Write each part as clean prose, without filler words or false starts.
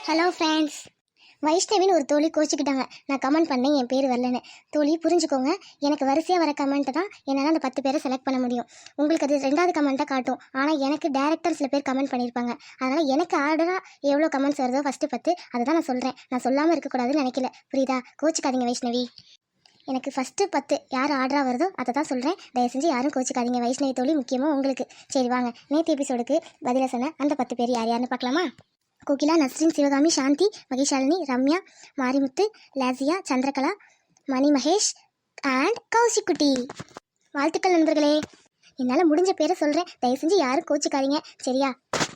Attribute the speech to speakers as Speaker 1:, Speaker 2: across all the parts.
Speaker 1: Hello friends. வைஷ்ணவின்னு ஒரு தோழி கோச்சிக்கிட்டாங்க. நான் கமெண்ட் பண்ணேன் என் பேர் வரலன்னு. தோழி புரிஞ்சுக்கோங்க, எனக்கு வரிசையாக வர கமெண்ட்டை தான் என்னால் அந்த 10 பேரை செலக்ட் பண்ண முடியும். உங்களுக்கு அது 2வது கமெண்ட்டாக காட்டும். ஆனால் எனக்கு டேரக்டர் சில பேர் கமெண்ட் பண்ணியிருப்பாங்க. அதனால் எனக்கு ஆர்டராக எவ்வளோ கமெண்ட்ஸ் வருதோ ஃபஸ்ட்டு 10 அதை தான் நான் சொல்கிறேன். நான் சொல்லாமல் இருக்கக்கூடாதுன்னு நினைக்கல. புரியுதா? கோச்சிக்காதீங்க வைஷ்ணவி. எனக்கு ஃபஸ்ட்டு 10 யார் ஆர்டராக வருதோ அதை தான் சொல்கிறேன். தயவு செஞ்சு யாரும் கோச்சிக்காதீங்க. வைஷ்ணவி தோழி முக்கியமாக உங்களுக்கு. சரி வாங்க, நேற்று எபிசோடுக்கு பதிலாக சொன்ன அந்த 10 பேர் யார் யாருன்னு பார்க்கலாமா? கோகிலா, நஸ்ரின், சிவகாமி, சாந்தி, மகேஷாலினி, ரம்யா, மாரிமுத்து, லாசியா, சந்திரகலா, மணி மகேஷ் அண்ட் கௌசிக்குட்டி. வாழ்த்துக்கள் நண்பர்களே. என்னால் முடிஞ்ச பேரை சொல்கிறேன். தயவு செஞ்சு யாரும் கோச்சிக்காதீங்க, சரியா?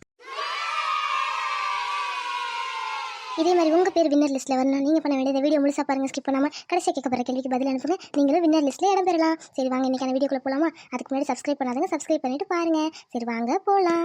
Speaker 1: இதே மாதிரி உங்கள் பேர் வின்னர் லிஸ்ட்டில் வரணும். நீங்கள் பண்ண வேண்டியது வீடியோ முழுசாக பாருங்கள், ஸ்கிப் பண்ணாமல். கடைசியாக கேட்கப்படுற கேள்விக்கு பதில் அனுப்புங்க. நீங்களும் வின்னர் லிஸ்ட்டில் இடம் பெறலாம். சரி வாங்க, இன்றைக்கான வீடியோக்குள்ளே போகலாமா? அதுக்கு முன்னாடி சப்ஸ்கிரைப் பண்ணாதுங்க, சப்ஸ்கிரைப் பண்ணிவிட்டு பாருங்கள். சரி வாங்க போகலாம்.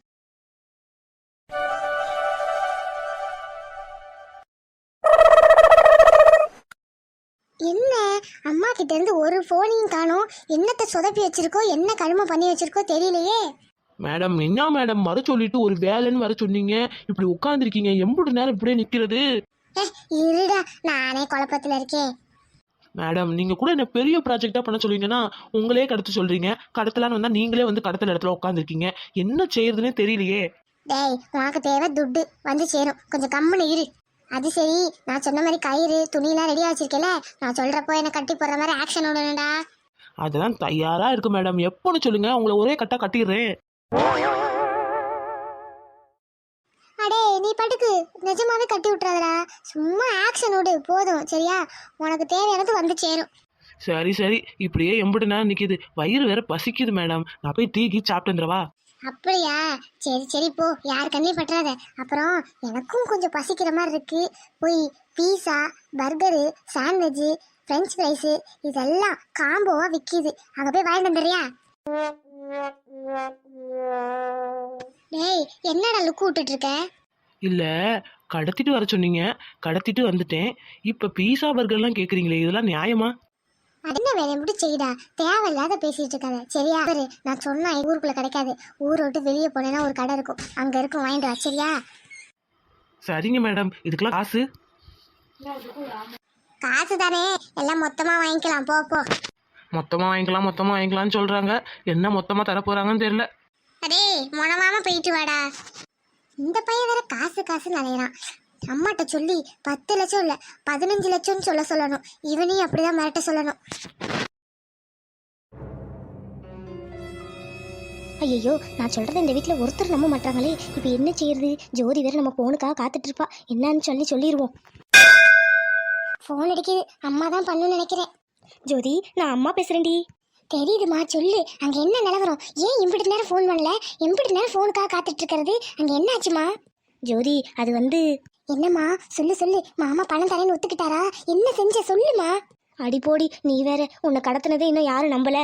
Speaker 1: என்ன அம்மா கிட்ட இருந்து ஒரு ஃபோனையும் காணோம். என்னத்தை சொதப்பி வச்சிருக்கோ, என்ன கருமை பண்ணி வச்சிருக்கோ தெரியலையே.
Speaker 2: மேடம், என்ன மேடம் வர சொல்லிட்டு ஒரு வேலைன்னு வர சொன்னீங்க, இப்படி உட்காந்துருக்கீங்க. எம்புட்டு நேரம் இப்படியே நிக்கிறது?
Speaker 1: இருடா, நானே குழப்பத்துல இருக்கேன்.
Speaker 2: மேடம், நீங்க கூட என்ன பெரிய ப்ராஜெக்டா பண்ண சொல்லுவீங்கன்னா உங்களே கடத்த சொல்றீங்க. கடத்தலான்னு வந்தா நீங்களே வந்து கடத்தல இடத்துல உட்காந்துருக்கீங்க. என்ன செய்யறதுன்னே தெரியலையே.
Speaker 1: டேய், உனக்கு தேவை துட்டு வந்து சேரும், கொஞ்சம் கம்முன்னு இரு. அது சரி, நான் சொன்ன மாதிரி கயிறு துணியெல்லாம் ரெடியா வச்சிருக்கேல, நான் சொல்றப்போ என்ன கட்டி போடுற மாதிரி ஆக்ஷன் விடணும்டா.
Speaker 2: அதெல்லாம் தயாரா இருக்கு மேடம், எப்போன்னு சொல்லுங்க, உங்களை ஒரே கட்டா கட்டிடுறேன்.
Speaker 1: அடே நீ படுக்கு, நிஜமாவே கட்டி விட்டுறாதடா. சும்மா ஆக்ஷன் விடு போதும், சரியா? உனக்கு தேவையானது வந்து சேரும்.
Speaker 2: சரி சரி, இப்படியே எம்புட்டு நேரம் நிக்குது. வயிறு வேற பசிக்குது மேடம். நான் போய் டீ சாப்பிட்டு வந்துடவா?
Speaker 1: அப்படியா? சரி சரி போ, யார் கண்ணையும் பற்றாத. அப்புறம் எனக்கும் கொஞ்சம் பசிக்கிற மாதிரி இருக்கு. போய் pizza, burger, sandwich, French fries இதெல்லாம் காம்போவா விற்கிது, அங்கே போய் வாங்கிட்டு வந்துடுறியா? டேய், என்னடா லுக்கு விட்டுட்டு இருக்க?
Speaker 2: இல்ல, கடத்திட்டு வர சொன்னீங்க, கடத்திட்டு வந்துட்டேன். இப்ப பீஸா பர்கர்லாம் கேக்குறீங்களே, இதெல்லாம் நியாயமா?
Speaker 1: அது என்ன வேலை எப்படி செய்டா, தேவையில்லாத பேசிட்டு இருக்காத, சரியா? நான் சொன்னா ஊருக்குள்ள கிடைக்காது. ஊரை விட்டு வெளியே போனேன்னா ஒரு கடை இருக்கும், அங்க இருக்கும், வாங்கிட்டு வா, சரியா?
Speaker 2: சரிங்க மேடம். இதுக்கெல்லாம் காசு?
Speaker 1: காசு தானே, எல்லாம் மொத்தமா வாங்கிக்கலாம், போ போ.
Speaker 2: மொத்தமா வாங்கிக்கலாம்னு சொல்றாங்க. என்ன மொத்தமா தர போறாங்கன்னு தெரியல.
Speaker 1: அடே மொனமாம போயிட்டு வாடா. இந்த பையன் வேற காசு காசு நினைறான். அம்மாட்ட சொல்லி 10 லட்சம் இல்ல 15 லட்சம்னு சொல்ல சொல்லணும். இவனையும் அப்படிதான் மிரட்ட சொல்லணும். ஐயோ, நான் சொல்றத இந்த வீட்டில் ஒருத்தர் நம்ப மாட்டாங்களே. இப்போ என்ன செய்யறது? ஜோதி வேற நம்ம போனுக்காக காத்துட்டு இருப்பா. என்னன்னு சொல்லிடுவோம். ஃபோன் அடிக்குது, அம்மா தான் பண்ணுன்னு நினைக்கிறேன். ஜோதி, நான் அம்மா பேசுறேன்டி. தெரியுதுமா, சொல்லு. அங்க என்ன நிலவரம்? ஏன் இம்பிட்டு நேரம் ஃபோன் பண்ணல? இம்பிட்டு நேரம் ஃபோனுக்காக காத்துட்டு இருக்கிறது, அங்க என்ன ஆச்சுமா? ஜோதி, அது வந்து என்னம்மா? சொல்லு சொல்லு. மாமா பணம் தரேன்னு ஒத்துக்கிட்டாரா? என்ன செஞ்ச சொல்லுமா? அடி போடி, நீ வேற. உன்னை கடத்தினதே இன்னும் யாரும் நம்பல.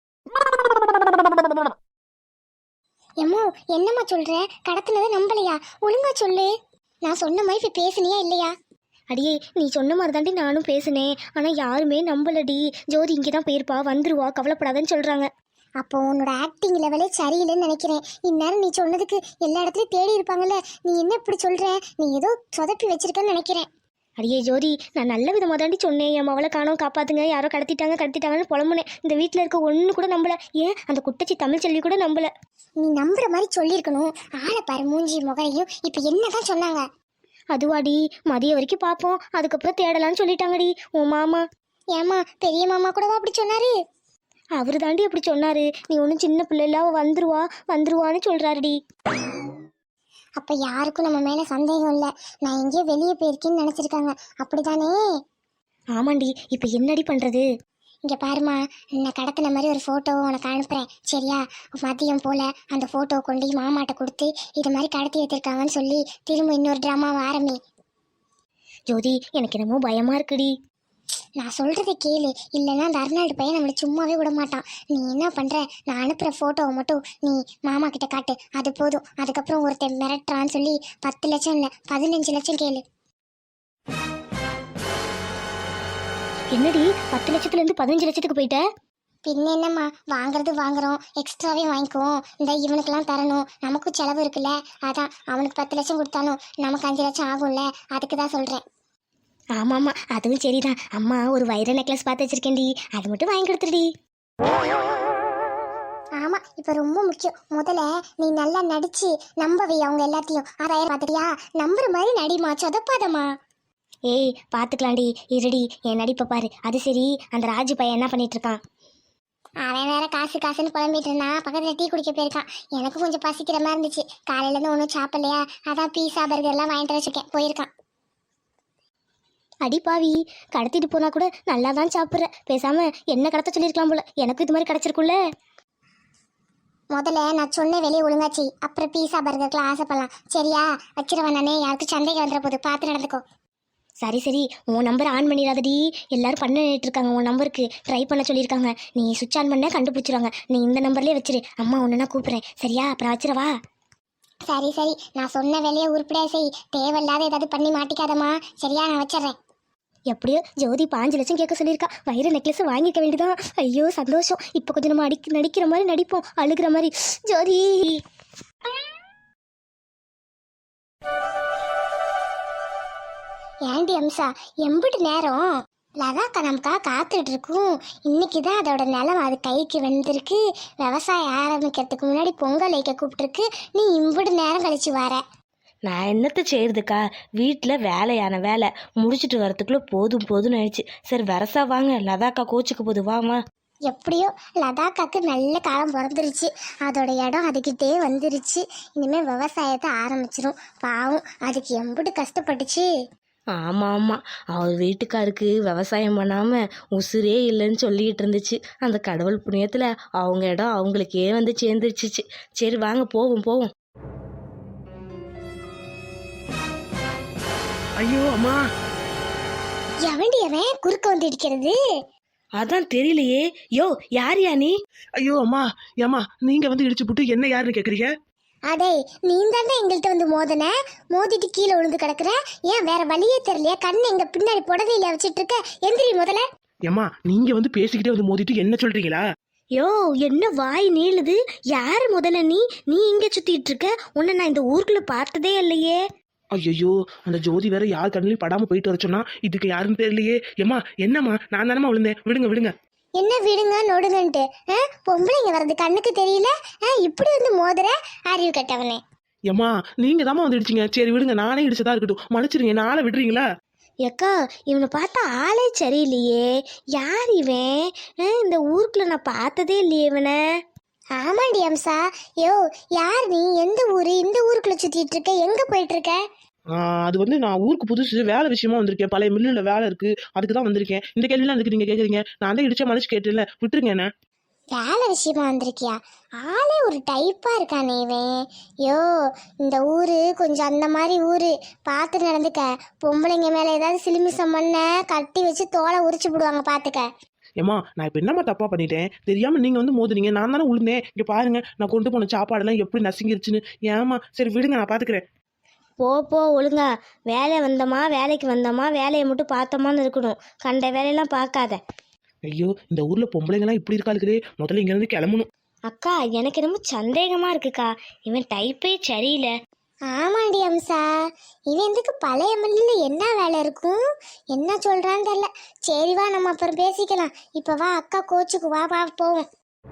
Speaker 1: எம்மோ, என்னம்மா சொல்ற? கடத்தினதை நம்பலையா? ஒழுங்கா சொல்லு. நான் சொன்ன மாதிரி இப்ப பேசுனியா இல்லையா? அடியே, நீ சொன்ன மாதிரி தாண்டி நானும் பேசினேன். ஆனால் யாருமே நம்பலடி. ஜோதி இங்கே தான் போயிருப்பா, வந்துருவா, கவலைப்படாதன்னு சொல்கிறாங்க. அப்போ உன்னோட ஆக்டிங் லெவலே சரியில்லைன்னு நினைக்கிறேன். இந்நேரம் நீ சொன்னதுக்கு எல்லா இடத்துலையும் தேடி இருப்பாங்கல்ல. நீ என்ன இப்படி சொல்கிற? நீ ஏதோ சொதப்பி வச்சிருக்கன்னு நினைக்கிறேன். அடியே ஜோதி, நான் நல்ல விதமாக தாண்டி சொன்னேன். என் மவளை காணோம், காப்பாற்றுங்க, யாரோ கடத்திட்டாங்கன்னு புலம்புனேன். இந்த வீட்டில் இருக்க ஒன்று கூட நம்பலை. ஏன் அந்த குட்டச்சி தமிழ் செல்வி கூட நம்பலை. நீ நம்புற மாதிரி சொல்லியிருக்கணும். ஆளை பாரு, மூஞ்சி முகரையும். இப்போ என்ன தான் சொன்னாங்க? அதுவாடி, மதியம் வரைக்கும் பார்ப்போம், அதுக்கப்புறம் தேடலான்னு சொல்லிட்டாங்கடி உன் மாமா. ஏமா, பெரிய மாமா கூடவா அப்படி சொன்னாரு? அவரு தாண்டி அப்படி சொன்னாரு. நீ ஒன்றும் சின்ன பிள்ளைலாம் வந்துருவான்னு சொல்றாருடி. அப்ப யாருக்கும் நம்ம மேல சந்தேகம் இல்லை. நான் எங்கேயோ வெளியே போயிருக்கேன்னு நினைச்சிருக்காங்க, அப்படித்தானே? ஆமாண்டி. இப்ப என்னடி பண்றது? இங்கே பாருமா, நான் கடத்தின மாதிரி ஒரு ஃபோட்டோவை உனக்கு அனுப்புகிறேன், சரியா? மதியம் போல் அந்த ஃபோட்டோவை கொண்டு மாமாட்ட கொடுத்து இது மாதிரி கடத்தி வைத்திருக்காங்கன்னு சொல்லி திரும்ப இன்னொரு ட்ராமாவை ஆரம்பி. ஜோதி, எனக்கு என்னமோ பயமாக இருக்குடி. நான் சொல்கிறத கேளு, இல்லைன்னா அந்த அர்னால்டு பையன் நம்மளை சும்மாவே விட மாட்டான். நீ என்ன பண்ணுற? நான் அனுப்புகிற ஃபோட்டோவை மட்டும் நீ மாமா கிட்ட காட்டு, அது போதும். அதுக்கப்புறம் ஒருத்தன் மிரட்டுறான்னு சொல்லி 10 லட்சம் இல்லை 15 லட்சம் கேளு. என்னடி 10 லட்சத்துலேருந்து 15 லட்சத்துக்கு போயிட்ட? பின்ன என்னம்மா, வாங்குறது வாங்குறோம், எக்ஸ்ட்ராவே வாங்கிக்குவோம். இந்த இவனுக்கெல்லாம் தரணும், நமக்கும் செலவு இருக்குல்ல. அதான் அவனுக்கு 10 லட்சம் கொடுத்தாலும் நமக்கு 5 லட்சம் ஆகும்ல, அதுக்கு தான் சொல்கிறேன். ஆமாம்மா, அதுவும் சரிதான். அம்மா ஒரு வைர நெக்லஸ் பார்த்து வச்சிருக்கேன்டி, அது மட்டும் வாங்கி கொடுத்துருடி. ஆமா, இப்ப ரொம்ப முக்கியம். முதல்ல நீ நல்லா நடிச்சு நம்பவை அவங்க எல்லாத்தையும். 6000 பார்த்துட்டியா? நம்புற மாதிரி நடிமா, சொதப்பாதம்மா. ஏய் பாத்துக்கலாம்டி, இருடி, என் நடிப்பை பாரு. அது சரி, அந்த ராஜு பையன் என்ன பண்ணிட்டு இருக்கான்? அவன் வேற காசு காசுன்னு புலம்பிட்டு இருந்தான். பக்கத்துல டீ குடிக்க போயிருக்கான். எனக்கு கொஞ்சம் பசிக்கிற மாதிரி இருந்துச்சு, காலையில இருந்து ஒன்றும் சாப்பிடலையா, அதான் பீஸா பர்கர் எல்லாம் வாங்கிட்டு வச்சிருக்கேன், போயிருக்கான். அடி பாவி, கடத்திட்டு போனா கூட நல்லா தான் சாப்பிட்ற. பேசாம என்ன கடத்த சொல்லியிருக்கலாம் போல, எனக்கு இது மாதிரி கிடைச்சிருக்குல்ல. முதல்ல நான் சொன்ன வெளியே ஒழுங்காச்சு, அப்புறம் பீஸா பர்கருக்குலாம் ஆசைப்படலாம். சரியா? வச்சிருவேன் நானே, யாருக்கும் சந்தேகம் வந்துட போது, பார்த்து நடந்துக்கோ. சரி சரி, உன் நம்பர் ஆன் பண்ணிடாதடி. எல்லாரும் பண்ணிட்டு இருக்காங்க, உன் நம்பருக்கு ட்ரை பண்ண சொல்லியிருக்காங்க. நீ சுவிட்ச் ஆன் பண்ண கண்டுபிடிச்சிருவாங்க. நீ இந்த நம்பர்லேயே வச்சிரு. அம்மா ஒன்றுனா கூப்பிட்றேன், சரியா? அப்புறம் வச்சிரவா? சரி சரி, நான் சொன்ன வேலையை உருப்படியா செய். தேவையில்லாத ஏதாவது பண்ணி மாட்டிக்காதம்மா, சரியா? நான் வச்சிட்றேன். எப்படியோ ஜோதி 5 லட்சம் கேட்க சொல்லியிருக்கா. வைர நெக்லஸ் வாங்கிக்க வேண்டியதான். ஐயோ சந்தோஷம். இப்போ கொஞ்சம் நம்ம நடிக்கிற மாதிரி நடிப்போம், அழுகிற மாதிரி. ஜோதி ஏண்டி அம்சா, எம்பிட்டு நேரம் லதாக்கா நமக்கா காத்துட்டு இருக்கும். இன்னைக்கு தான் அதோட நிலம் அது கைக்கு வந்திருக்கு. விவசாயம் ஆரம்பிக்கிறதுக்கு முன்னாடி பொங்கல் வைக்க கூப்பிட்டுருக்கு. நீ இம்பிட்டு நேரம் கழிச்சு வர.
Speaker 3: நான் என்னத்தை செய்யறதுக்கா, வீட்டில் வேலையான வேலை முடிச்சுட்டு வரத்துக்குள்ளே போதும் போதும்னு ஆயிடுச்சு. சரி வரசா வாங்க, லதாக்கா கோச்சுக்கு போது வாமா.
Speaker 1: எப்படியோ லதாக்காக்கு நல்ல காலம் பிறந்துருச்சு. அதோட இடம் அதுக்கிட்டே வந்துருச்சு. இனிமேல் விவசாயத்தை ஆரம்பிச்சிடும். பாவம், அதுக்கு எம்பிட்டு கஷ்டப்பட்டுச்சு.
Speaker 3: ஆமாம் ஆமாம், அவர் வீட்டுக்காருக்கு விவசாயம் பண்ணாமல் உசுரே இல்லைன்னு சொல்லிக்கிட்டு இருந்துச்சு. அந்த கடவுள் புண்ணியத்தில் அவங்க இடம் அவங்களுக்கே வந்து சேர்ந்துருச்சு. சரி வாங்க போவோம் போவோம்.
Speaker 2: ஐயோ அம்மா,
Speaker 1: எவண்டி அவன் குறுக்க வந்து இடிக்கிறது?
Speaker 3: அதான் தெரியலையே. யோ யாரியா நீ?
Speaker 2: ஐயோ அம்மா, ஏம்மா நீங்க வந்து இடிச்சு போட்டு என்ன யாருன்னு கேக்குறீங்க?
Speaker 1: அடே, நீ தானே எங்கள்கிட்ட வந்து மோதிட்டு கீழே விழுந்து கிடக்குற. ஏன் வேற வழியே தெரியலையா? கண்ணு எங்க பின்னாடி புடவையில வச்சிட்டு இருக்க. எந்திரி முதல்ல.
Speaker 2: ஏம்மா நீங்க வந்து பேசிக்கிட்டே வந்து மோதிட்டு என்ன சொல்றீங்களா?
Speaker 3: யோ என்ன வாய் நீளுது? யாரு முதல்ல நீ? நீ இங்கே சுத்திட்டு இருக்க? உன்னை நான் இந்த ஊருக்குள்ள பார்த்ததே இல்லையே.
Speaker 2: ஐயோ, அந்த ஜோதி வேற யார் கண்ணிலையும் படாம போயிட்டு வர சொன்னா, இதுக்கு யாருன்னு தெரியலையே. ஏம்மா என்னம்மா, நான் தானம்மா விழுந்தேன், விடுங்க விடுங்க.
Speaker 1: என்ன விடுங்க நொடுங்கன்ட்டு? பொம்பளைங்க வர்றது கண்ணுக்கு தெரியல? இப்படி வந்து மோதுற அறிவு கட்டவனே.
Speaker 2: ஏம்மா நீங்க தாம்மா வந்து இடிச்சிங்க. சரி விடுங்க, நானே இடிச்சதா இருக்கட்டும், மன்னிச்சிருங்க. நாளை விடுறீங்களா?
Speaker 3: ஏக்கா இவனை பார்த்தா ஆளே சரியில்லையே. யார் இவன்? இந்த ஊருக்குள்ள நான் பார்த்ததே இல்லையே இவனை.
Speaker 1: ஆமாண்டி அம்சா. யோ யார் நீ? எந்த ஊரு? இந்த ஊருக்குள்ள சுத்திட்டு இருக்க? எங்க போயிட்டு இருக்க?
Speaker 2: அது வந்து நான் ஊருக்கு புதுசு, வேலை விஷயமா வந்திருக்கேன். பழைய மில்லுல வேலை இருக்கு, அதுக்கு தான் வந்திருக்கேன். இந்த கேள்விலாம் அதுக்கு நீங்க கேக்குறீங்க? நான் தான் இடிச்ச மனுஷன் கேட்டேன்ல, விட்டுருங்க என்ன.
Speaker 1: வேலை விஷயமா வந்திருக்கியா? ஆளே ஒரு டைப்பா இருக்கானே இவன். யோ இந்த ஊரு கொஞ்சம் அந்த மாதிரி ஊரு, பார்த்து நடந்துக்க. பொம்பளைங்க மேல ஏதாவது சிலுமிசம் பண்ண கட்டி வச்சு தோலை உரிச்சு விடுவாங்க, பாத்துக்க.
Speaker 2: ஏம்மா நான் இப்போ என்னம்மா தப்பா பண்ணிட்டேன்? தெரியாம நீங்க வந்து மோதுனீங்க, நான் தானே உளுந்தேன். இங்க பாருங்க, நான் கொண்டு போன சாப்பாடெல்லாம் எப்படி நசுங்கிருச்சுன்னு. ஏம்மா சரி விடுங்க, நான் பாத்துக்கிறேன்.
Speaker 3: போ போ, ஒழுங்கா வேலை வந்தோமா வேலைக்கு வந்தோமா, வேலையை மட்டும் பார்த்தோமான்னு இருக்கணும். கண்ட வேலையெல்லாம் பார்க்காத.
Speaker 2: ஐயோ, இந்த ஊர்ல பொம்பளைங்கலாம் இப்படி இருக்காளுக்குதே. முதல்ல இங்க இருந்து கிளம்பணும்.
Speaker 3: அக்கா எனக்கு என்னமோ சந்தேகமா இருக்குக்கா, இவன் டைப்பே சரியில்லை.
Speaker 1: ஆமாண்டி அம்சா, இவன் எதுக்கு பழைய மில்லுல என்ன வேலை இருக்கும்? என்ன சொல்றான்னு தெரியல. சரி வா, நம்ம அப்புறம் பேசிக்கலாம். இப்ப வா, அக்கா கோச்சுக்கு வா, வா போவோம்.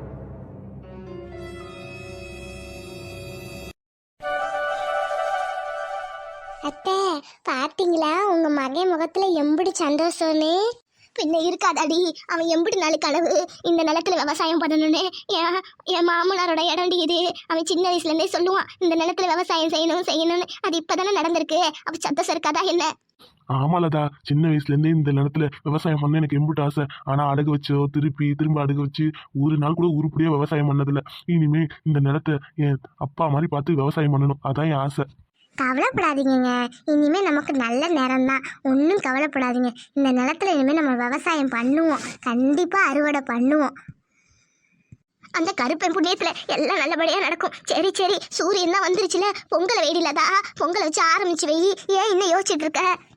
Speaker 1: அத்தை பாத்தீங்களா உங்க மகன் முகத்துல எம்பிடி சந்தோஷம்னு? பின்ன இருக்காதாடி, அவன் எம்பிடி நாள் கனவு இந்த நிலத்துல விவசாயம் பண்ணணும்னு. என் மாமனாரோட இடம்டி இது. அவன் சின்ன வயசுல இருந்தே சொல்லுவான், இந்த நிலத்துல விவசாயம் செய்யணும்னு. அது இப்பதானே நடந்திருக்கு. அப்ப சந்தோஷம் இருக்காதா என்ன?
Speaker 4: ஆமாலதா, சின்ன வயசுல இருந்தே இந்த நிலத்துல விவசாயம் பண்ண எனக்கு எம்பிட்டு ஆசை. ஆனா அடகு வச்சோ திரும்ப அடகு வச்சு ஒரு நாள் கூட உருப்படியா விவசாயம் பண்ணதில்ல. இனிமே இந்த நிலத்தை என் அப்பா மாதிரி பார்த்து விவசாயம் பண்ணணும், அதான் என் ஆசை.
Speaker 1: கவலைப்படாதீங்க, இனிமே நமக்கு நல்ல நேரம் தான். ஒன்றும் கவலைப்படாதீங்க. இந்த நிலத்துல இனிமே நம்ம விவசாயம் பண்ணுவோம், கண்டிப்பா அறுவடை பண்ணுவோம். அந்த கருப்பன் புண்ணியத்துல எல்லாம் நல்லபடியா நடக்கும். சரி சரி, சூரியன் தான் வந்துருச்சுல, பொங்கலை வெயிலதா, பொங்கலை வச்சு ஆரம்பிச்சு வை. ஏன் இன்னும் யோசிச்சுட்டு இருக்க?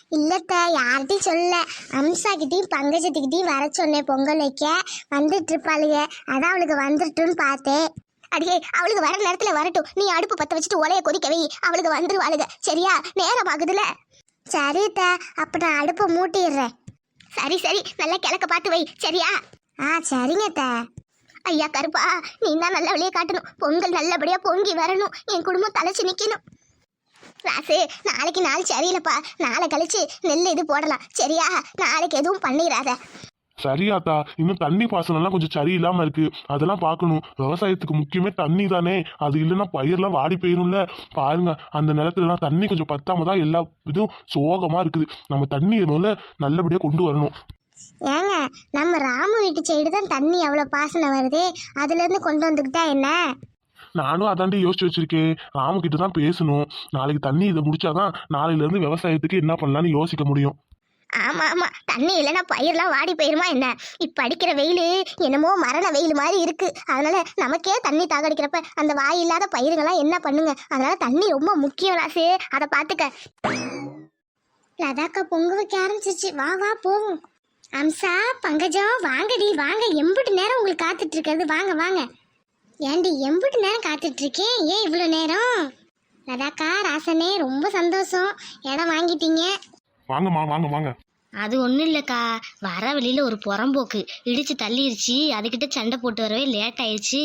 Speaker 1: இல்லத்த யார்கிட்டையும் சொல்ல. அம்சாக்கிட்டையும் பங்கஜத்துக்கிட்டையும் வர சொன்னேன் பொங்கல் வைக்க. வந்துட்டு இருப்பாளுங்க, அதான் அவளுக்கு வந்துட்டுன்னு பார்த்தேன். அடியே அவளுக்கு வர நேரத்துல வரட்டும், நீ அடுப்பு பத்த வச்சுட்டு ஒலைய கொதிக்க வை, அவளுக்கு வந்துருவாளுங்க. சரியா? நேரம் ஆகுதுல. சரித்த, அப்ப நான் அடுப்பை மூட்டிடுறேன். சரி சரி, நல்லா கிழக்க பார்த்து வை. சரியா? சரிங்கத்த. ஐயா கருப்பா, நீ தான் நல்ல வழியை காட்டணும். பொங்கல் நல்லபடியா பொங்கி வரணும், என் குடும்பம் தலைச்சு நிக்கணும். ராசு, நாளைக்கு நாள் சரியில்லைப்பா, நாளை கழிச்சு நெல் இது போடலாம். சரியா? நாளைக்கு எதுவும் பண்ணிடாத.
Speaker 4: சரியாத்தா, இன்னும் தண்ணி பாசனம்லாம் கொஞ்சம் சரியில்லாம இருக்கு, அதெல்லாம் பார்க்கணும். விவசாயத்துக்கு முக்கியமே தண்ணி தானே, அது இல்லைன்னா பயிரெல்லாம் வாடி போயிரும்ல. பாருங்க, அந்த நிலத்துலலாம் தண்ணி கொஞ்சம் பத்தாம தான் எல்லா இதுவும் சோகமா இருக்குது. நம்ம தண்ணியை முதல்ல நல்லபடியா கொண்டு வரணும்.
Speaker 1: ஏங்க, நம்ம ராமு வீட்டு சைடு தான் தண்ணி அவ்வளவு பாசனம் வருது, அதுல இருந்து கொண்டு வந்துக்கிட்டா என்ன?
Speaker 4: நானும் அதாண்டி யோசிச்சு வச்சிருக்கேன். ராமுகிட்ட தான் பேசணும். நாளைக்கு தண்ணி இதை முடிச்சாதான் நாளையில இருந்து விவசாயத்துக்கு என்ன பண்ணலாம்னு யோசிக்க முடியும்.
Speaker 1: ஆமா ஆமா, தண்ணி இல்லைன்னா பயிரெல்லாம் வாடி போயிருமா என்ன? இப்ப அடிக்கிற வெயில் என்னமோ மரண வெயில் மாதிரி இருக்கு. அதனால நமக்கே தண்ணி தாகடிக்கிறப்ப அந்த வாய் இல்லாத பயிருங்கெல்லாம் என்ன பண்ணுங்க? அதனால தண்ணி ரொம்ப முக்கியம் ராசு, அதை பாத்துக்க. லதாக்கா பொங்க வைக்க ஆரம்பிச்சிருச்சு, வா வா போவோம். அம்சா, பங்கஜம், வாங்கடி வாங்க. எம்பிட்டு நேரம் உங்களுக்கு காத்துட்டு இருக்கிறது, வாங்க வாங்க. ஏண்டி எம்பிட்டு நேரம் காத்துட்டு இருக்கேன், ஏன் இவ்வளோ நேரம்? லதாக்கா, ராசனே, ரொம்ப சந்தோஷம், இடம் வாங்கிட்டீங்க.
Speaker 4: வாங்கம்மா, வாங்க வாங்க.
Speaker 3: அது ஒன்றும் இல்லைக்கா, வர வழியில் ஒரு புறம்போக்கு இடிச்சு தள்ளிருச்சு, அதுக்கிட்ட சண்டை போட்டு வரவே லேட் ஆயிடுச்சு.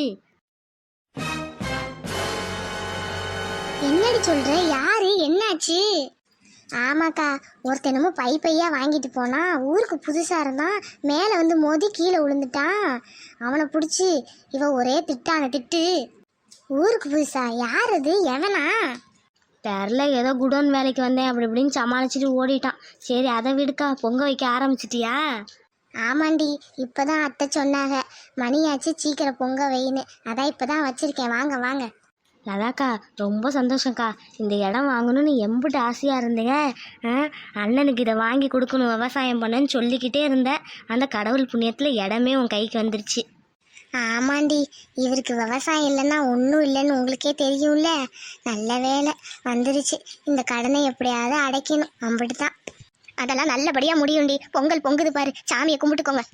Speaker 1: என்னடி சொல்ற? யாரு? என்னாச்சு? ஆமாக்கா, ஒருத்தனமோ பையா வாங்கிட்டு போனா, ஊருக்கு புதுசா இருந்தான், மேலே வந்து மோதி கீழே விழுந்துட்டான். அவனை பிடிச்சி இவ ஒரே திட்டான திட்டு. ஊருக்கு புதுசா? யார் அது? எவனா?
Speaker 3: தெரில, ஏதோ குடோன் வேலைக்கு வந்தேன் அப்படி இப்படின்னு சமாளிச்சுட்டு ஓடிட்டான். சரி, அதை விடுக்கா, பொங்க வைக்க ஆரம்பிச்சிட்டியா?
Speaker 1: ஆமாண்டி, இப்பதான் அத்தை சொன்னாங்க, மணியாச்சு சீக்கிரம் பொங்க வைன்னு. அதான் இப்பதான் வச்சிருக்கேன், வாங்க வாங்க.
Speaker 3: லதாக்கா, ரொம்ப சந்தோஷம்க்கா. இந்த இடம் வாங்கணும்னு எம்பிட்டு ஆசையாக இருந்தேங்க. அண்ணனுக்கு இதை வாங்கி கொடுக்கணும், விவசாயம் பண்ணேன்னு சொல்லிக்கிட்டே இருந்தேன். அந்த கடவுள் புண்ணியத்தில் இடமே உன் கைக்கு வந்துருச்சு.
Speaker 1: ஆமாண்டி, இவருக்கு விவசாயம் இல்லைன்னா ஒன்றும் இல்லைன்னு உங்களுக்கே தெரியும்ல. நல்ல வேலை வந்துருச்சு. இந்த கடனை எப்படியாவது அடைக்கணும், அம்பிட்டு தான். அதெல்லாம் நல்லபடியாக முடியும்டி. பொங்கல் பொங்குது பாரு, சாமியை கும்பிட்டுக்கோங்க.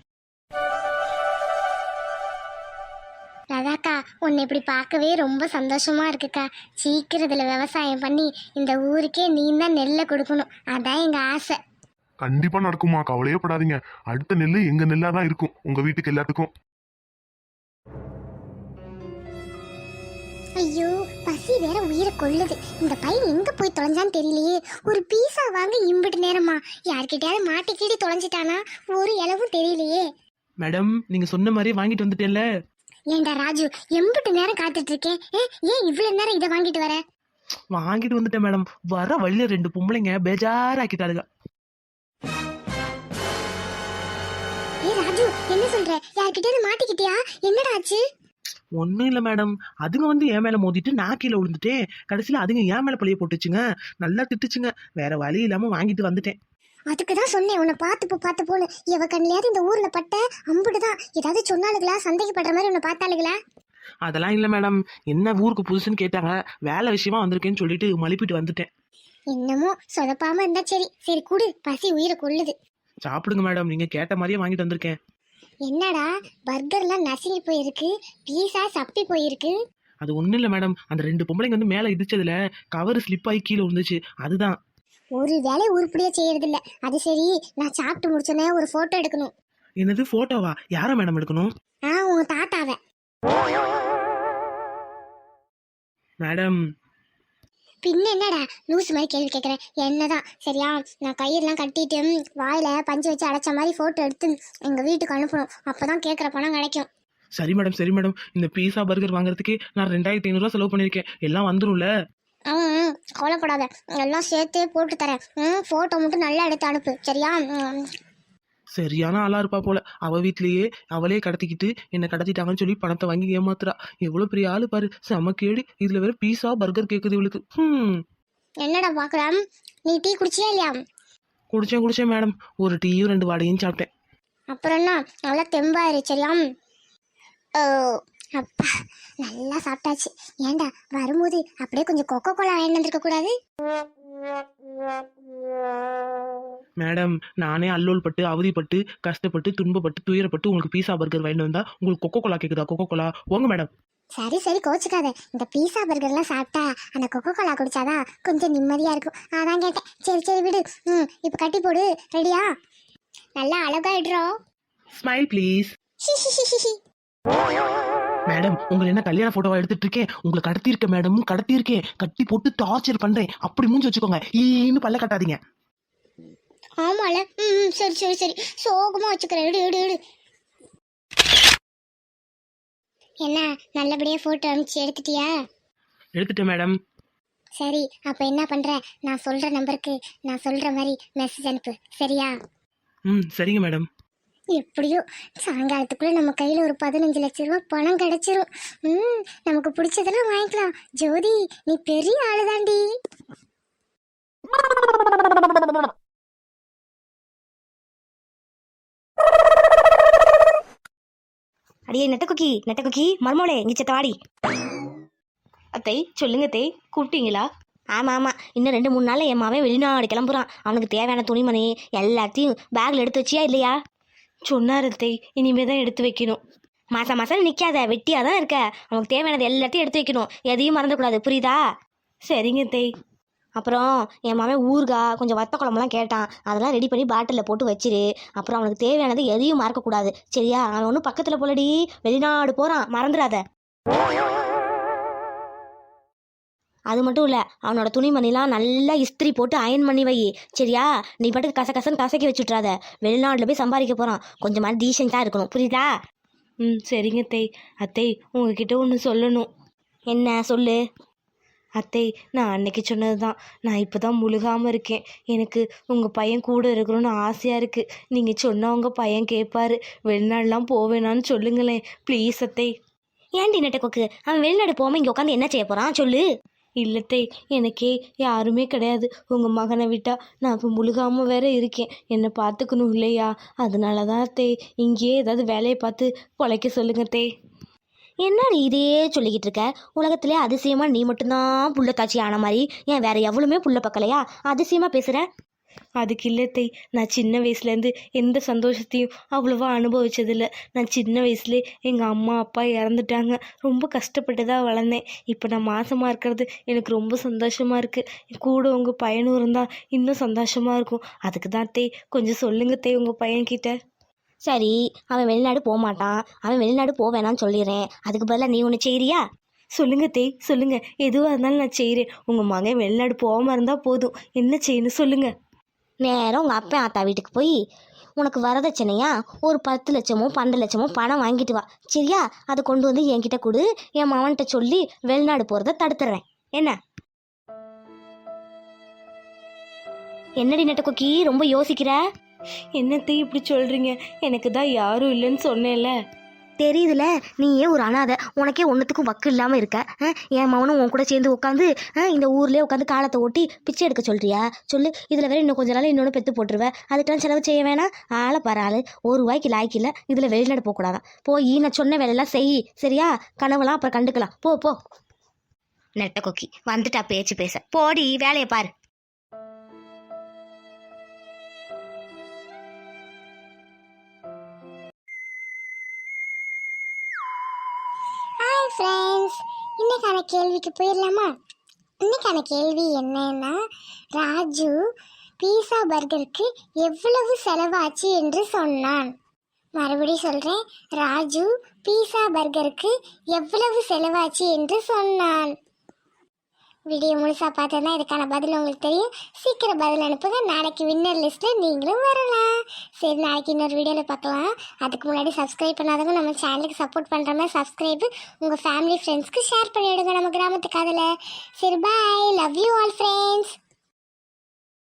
Speaker 1: ராதாக்கா, உன்னை இப்படி பார்க்கவே ரொம்ப சந்தோஷமா இருக்குக்கா. சீக்கிரத்தில் விவசாயம் பண்ணி இந்த ஊருக்கே நீ தான் நெல்லை கொடுக்கணும், அதான் எங்கள் ஆசை.
Speaker 4: கண்டிப்பா நடக்குமா, கவலையே படாதீங்க. அடுத்த நெல்லு எங்க நெல்லா தான் இருக்கும் உங்க வீட்டுக்கு எல்லாத்துக்கும்.
Speaker 1: ஐயோ, பசி வேற உயிரை கொள்ளுது. இந்த பையன் எங்க போய் தொலைஞ்சான்னு தெரியலையே. ஒரு பீஸா வாங்க இம்பிட்டு நேரமா? யார்கிட்டயாவது மாட்டிக்கிட்டு தொலைஞ்சிட்டானா? ஒரு இளவும் தெரியலையே.
Speaker 2: மேடம், நீங்க சொன்ன மாதிரி வாங்கிட்டு வந்துட்டேன்ல.
Speaker 1: ஏண்டா ராஜு, எம்பிட்டு நேரம் காத்துட்டு இருக்கேன். ஏன் இவ்வளவு நேரம் இதை வாங்கிட்டு வர?
Speaker 2: வாங்கிட்டு வந்துட்டேன் மேடம். வர வழியில 2 பொம்பளைங்க பேஜாராக்கிட்டாளுங்க.
Speaker 1: ராஜு, என்ன சொல்ற? யார்கிட்டயாவது மாட்டிக்கிட்டியா? என்னடா ஆச்சு?
Speaker 2: ஒன்றும் இல்லை மேடம், அதுங்க வந்து என் மேலே மோதிட்டு நான் கீழே விழுந்துட்டேன். கடைசியில் அதுங்க என் மேலே பழிய போட்டுச்சுங்க. நல்லா திட்டுச்சுங்க. வேற வழி இல்லாமல் வாங்கிட்டு வந்துட்டேன்.
Speaker 1: அதுக்கு தான் சொன்னேன், உன்னை பார்த்து போன்னு. எவ கண்ணிலையாவது இந்த ஊர்ல பட்ட அம்புடுதான். ஏதாவது சொன்னாலுங்களா? சந்தேகப்படுற மாதிரி உன்னை பார்த்தாளுங்களா?
Speaker 2: அதெல்லாம் இல்லை மேடம். என்ன ஊருக்கு புதுசுன்னு கேட்டாங்க, வேலை விஷயமா வந்திருக்கேன்னு சொல்லிட்டு மழுப்பிட்டு வந்துட்டேன்.
Speaker 1: என்னமோ சொதப்பாம இருந்தா சரி. சரி குடு, பசி உயிரை கொள்ளுது.
Speaker 2: சாப்பிடுங்க மேடம், நீங்க கேட்ட மாதிரியே வாங்கிட்டு வந்திருக்கேன்.
Speaker 1: என்னடா, பர்கர்லாம் நசுங்கி போயிருக்கு, பீஸா சப்பி போயிருக்கு.
Speaker 2: அது ஒன்றும் இல்லை மேடம், அந்த 2 பொம்பளைங்க வந்து மேலே இடிச்சதுல கவர் ஸ்லிப் ஆகி கீழே விழுந்துச்சு, அதுதான்.
Speaker 1: ஒரு வேலை உருப்படியா செய்யறது இல்ல. அது சரி, நான் சாப்பிட்டு முடிச்சோன்னே ஒரு போட்டோ எடுக்கணும்.
Speaker 2: என்னது போட்டோவா? யாரை மேடம் எடுக்கணும்?
Speaker 1: உங்க தாத்தாவை.
Speaker 2: மேடம்,
Speaker 1: பின்ன என்னடா லூஸ் மாதிரி கேள்வி கேட்குறேன்? என்னதான் சரியா? நான் கயிறுலாம் கட்டிட்டு வாயில பஞ்சு வச்சு அடைச்ச மாதிரி போட்டோ எடுத்து எங்க வீட்டுக்கு அனுப்பணும், அப்பதான் கேட்குற பணம் கிடைக்கும்.
Speaker 2: சரி மேடம் சரி மேடம். இந்த பீஸா பர்கர் வாங்குறதுக்கு நான் 2500 ரூபா செலவு பண்ணியிருக்கேன். எல்லாம் வந்துரும்ல?
Speaker 1: கவலைப்படாத, எல்லாம் சேர்த்து போட்டு தரேன். போட்டோ மட்டும் நல்லா எடுத்து அனுப்பு, சரியா?
Speaker 2: சரியான ஆளா இருப்பா போல. அவ வீட்லயே அவளே கடத்திக்கிட்டு என்ன கடத்திட்டாங்கன்னு சொல்லி பணத்தை வாங்கி ஏமாத்துறா. எவ்வளவு பெரிய ஆளு பாரு, செம கேடு. இதுல வேற பீஸா பர்கர் கேக்குது இவளுக்கு.
Speaker 1: என்னடா பாக்கலாம், நீ டீ குடிச்சியா இல்லையா?
Speaker 2: குடிச்சேன் மேடம். ஒரு டீயும் 2 வாடையும் சாப்பிட்டேன்.
Speaker 1: அப்புறம் என்ன, நல்லா தெம்பாயிரு, சரியா? அப்பா, நல்லா சாப்பிட்டாச்சு. ஏண்டா வரும்போது அப்படியே கொஞ்சம் கொக்கோ கோலா வாங்கிட்டு வந்திருக்க கூடாது?
Speaker 2: மேடம் நானே அல்லோல் பட்டு அவதிப்பட்டு கஷ்டப்பட்டு துன்பப்பட்டு துயரப்பட்டு உங்களுக்கு பீஸா பர்கர் வாங்கிட்டு வந்தா உங்களுக்கு கொக்கோ கோலா கேக்குதா? கொக்கோ கோலா போங்க மேடம்.
Speaker 1: சரி சரி கோச்சுக்காத. இந்த பீஸா பர்கர்லாம் சாப்பிட்டா அந்த கொக்கோ கோலா குடிச்சாதான் கொஞ்சம் நிம்மதியா இருக்கும். அதான் கேட்டேன். சரி சரி விடு. இப்போ கட்டி போடு. ரெடியா? நல்லா அழகாயிடுறோம்.
Speaker 2: Smile please. மேடம் உங்களை என்ன கல்யாண போட்டோவா எடுத்துட்டு இருக்கேன்? உங்களை கடத்தியிருக்கேன் மேடம், கடத்தியிருக்கேன். கட்டி போட்டு டார்ச்சர் பண்றேன். அப்படி மூஞ்சி வச்சுக்கோங்க. ஈன்னு பல்ல கட்டாதீங்க.
Speaker 1: ஆமால. சரி சரி சரி சோகமா வச்சுக்கிறேன். எடு எடு எடு. என்ன நல்லபடியா போட்டோ அனுப்பிச்சு எடுத்துட்டியா?
Speaker 2: எடுத்துட்டேன் மேடம்.
Speaker 1: சரி அப்ப என்ன பண்ற, நான் சொல்ற நம்பருக்கு நான் சொல்ற மாதிரி மெசேஜ் அனுப்பு. சரியா?
Speaker 2: சரிங்க மேடம்.
Speaker 1: எப்படியோ சாயங்காலத்துக்குள்ள நம்ம கையில ஒரு 15 லட்சம் ரூபாய் பணம் கிடைச்சிரும். நமக்கு பிடிச்சதெல்லாம் வாங்கிக்கலாம். ஜோதி நீ பெரிய ஆளுதாண்டி.
Speaker 3: அடியே நெட்டக்குக்கி மர்மோளே இங்கே செத்தவாடி.
Speaker 5: அத்தை சொல்லுங்க அத்தை, கூப்பிட்டீங்களா?
Speaker 3: ஆமாம் இன்னும் 2-3 நாளில் என் மாவன் வெளிநாடு கிளம்புறான். அவனுக்கு தேவையான துணிமணி எல்லாத்தையும் பேக்கில் எடுத்து வச்சியா இல்லையா?
Speaker 5: சொன்னார் அத்தை, இனிமே தான் எடுத்து வைக்கணும்.
Speaker 3: மாதம் நிற்காத, வெட்டியாக தான் இருக்க. அவனுக்கு தேவையானது எல்லாத்தையும் எடுத்து வைக்கணும். எதையும் மறந்துக்கூடாது, புரியுதா?
Speaker 5: சரிங்க அத்தை.
Speaker 3: அப்புறம் என் மாவன் ஊறுகாய் கொஞ்சம் வத்த குழம்புலாம் கேட்டான். அதெல்லாம் ரெடி பண்ணி பாட்டிலில் போட்டு வச்சிரு. அப்புறம் அவனுக்கு தேவையானது எதையும் மறக்கக்கூடாது, சரியா? அவன் ஒன்றும் பக்கத்தில் போலடி, வெளிநாடு போகிறான், மறந்துடாத. அது மட்டும் இல்லை, அவனோட துணிமணிலாம் நல்லா இஸ்திரி போட்டு அயன் பண்ணி வை, சரியா? நீ பாட்டுக்கு கசகசன்னு கசக்கி வச்சுட்றாத. வெளிநாட்டில் போய் சம்பாதிக்க போகிறான். கொஞ்சமாக டீசெண்டாக இருக்கணும், புரியுதா?
Speaker 5: சரிங்க அத்தை. அத்தை உங்ககிட்ட ஒன்று சொல்லணும்.
Speaker 3: என்ன சொல்லு.
Speaker 5: அத்தை நான் அன்னைக்கு சொன்னது தான், நான் இப்போ தான் முழுகாமல் இருக்கேன். எனக்கு உங்கள் பையன் கூட இருக்கணும்னு ஆசையாக இருக்குது. நீங்கள் சொன்னால் உங்கள் பையன் கேட்பாரு. வெளிநாடுலாம் போவேணான்னு சொல்லுங்களேன் ப்ளீஸ் அத்தை.
Speaker 3: ஏன்டி நெட்டக்கொக்கு, அவன் வெளிநாடு போகாமல் இங்கே உட்காந்து என்ன செய்ய போகிறான் சொல்லு.
Speaker 5: இல்லத்தை, எனக்கே யாருமே கிடையாது. உங்கள் மகனை விட்டா நான் இப்போ முழுகாமல் வேற இருக்கேன். என்னை பார்த்துக்கணும் இல்லையா? அதனால தான் அத்தை, இங்கேயே ஏதாவது வேலையை பார்த்து பொழைக்க சொல்லுங்க அத்தை.
Speaker 3: என்னடி இதே சொல்லிக்கிட்டு இருக்க? உலகத்திலே அதிசயமா நீ மட்டும்தான் புள்ள தாச்சி ஆன மாதிரி, ஏன் வேற எவ்வளவுமே புள்ள பக்கலையா? அதிசயமா பேசுற.
Speaker 5: அதுக்கு இல்லத்தை, நான் சின்ன வயசுலேருந்து எந்த சந்தோஷத்தையும் அவ்வளோவா அனுபவிச்சதில்லை. நான் சின்ன வயசுலேயே எங்கள் அம்மா அப்பா இறந்துட்டாங்க. ரொம்ப கஷ்டப்பட்டு தான் வளர்ந்தேன். இப்போ நான் மாசமாக இருக்கிறது எனக்கு ரொம்ப சந்தோஷமாக இருக்குது. கூட உங்கள் பையனும் இருந்தால் இன்னும் சந்தோஷமாக இருக்கும். அதுக்கு தான் அத்தை, கொஞ்சம் சொல்லுங்க அத்தை உங்கள் பையன்கிட்ட.
Speaker 3: சரி, அவன் வெளிநாடு போக மாட்டான், அவன் வெளிநாடு போவேணான்னு சொல்லிடுறேன். அதுக்கு பதிலாக நீ ஒன்று செய்யறியா?
Speaker 5: சொல்லுங்க அத்தை, சொல்லுங்க. எதுவாக இருந்தாலும் நான் செய்கிறேன். உங்கள் மகன் வெளிநாடு போகாமல் இருந்தால் போதும். என்ன செய்யணும் சொல்லுங்க.
Speaker 3: நேரம் உங்கள் அப்பா ஆத்தா வீட்டுக்கு போய் உனக்கு வரதட்சணையா ஒரு 10 லட்சமோ 12 லட்சமோ பணம் வாங்கிட்டு வா, சரியா? அதை கொண்டு வந்து என்கிட்ட கொடு. என் மவன்கிட்ட சொல்லி வெளிநாடு போகிறத தடுத்துறேன். என்னடி நெட்டக்கொக்கி ரொம்ப யோசிக்கிற?
Speaker 5: என்னத்தை இப்படி சொல்கிறீங்க? எனக்கு தான் யாரும் இல்லைன்னு சொன்னேன்ல.
Speaker 3: தெரியுதுல, நீயே ஒரு அனாதை. உனக்கே ஒன்றுத்துக்கும் வக்கு இல்லாமல் இருக்க. என் மவனும் உன் கூட சேர்ந்து உட்காந்து இந்த ஊர்லேயே உட்காந்து காலத்தை ஓட்டி பிச்சை எடுக்க சொல்கிறியா? சொல்லு. இதில் வேற இன்னும் கொஞ்ச நாள் இன்னொன்று பெற்று போட்டுருவேன். அதுக்கெல்லாம் செலவு செய்ய வேணாம். ஆளை பாரு ஆள், ₹1 லாய்க்கு இல்லை. இதில் வெளிநாடு போகக்கூடாதான். போய் நான் சொன்ன வேலையெல்லாம் செய், சரியா? கனவுலாம் அப்புறம் கண்டுக்கலாம். போ போ. நெட்ட கொக்கி வந்துட்டா பேச்சு பேச. போடி வேலையை பாரு.
Speaker 1: ஹாய் ஃப்ரெண்ட்ஸ், இன்னைக்கான கேள்விக்கு போயிடலாமா? இன்னைக்கான கேள்வி என்னன்னா, ராஜு பீஸா பர்கருக்கு எவ்வளவு செலவாச்சு என்று சொன்னான். மறுபடியும் சொல்கிறேன், ராஜு பீஸா பர்கருக்கு எவ்வளவு செலவாச்சு என்று சொன்னான். வீடியோ முழுசாக பார்த்தா இதுக்கான பதில் உங்களுக்கு தெரியும். சீக்கிரம் பதில் அனுப்புங்க. நாளைக்கு வின்னர் லிஸ்ட்டில் நீங்களும் வரலாம். சரி, நாளைக்கு இன்னொரு வீடியோவில் பார்க்கலாம். அதுக்கு முன்னாடி சப்ஸ்கிரைப் பண்ணாதவங்க நம்ம சேனலுக்கு சப்போர்ட் பண்ணுற மாதிரி சப்ஸ்கிரைபு உங்கள் ஃபேமிலி ஃப்ரெண்ட்ஸ்க்கு ஷேர் பண்ணிவிடுங்க. நம்ம கிராமத்துக்கு அதில். சரி, bye. Love you all friends.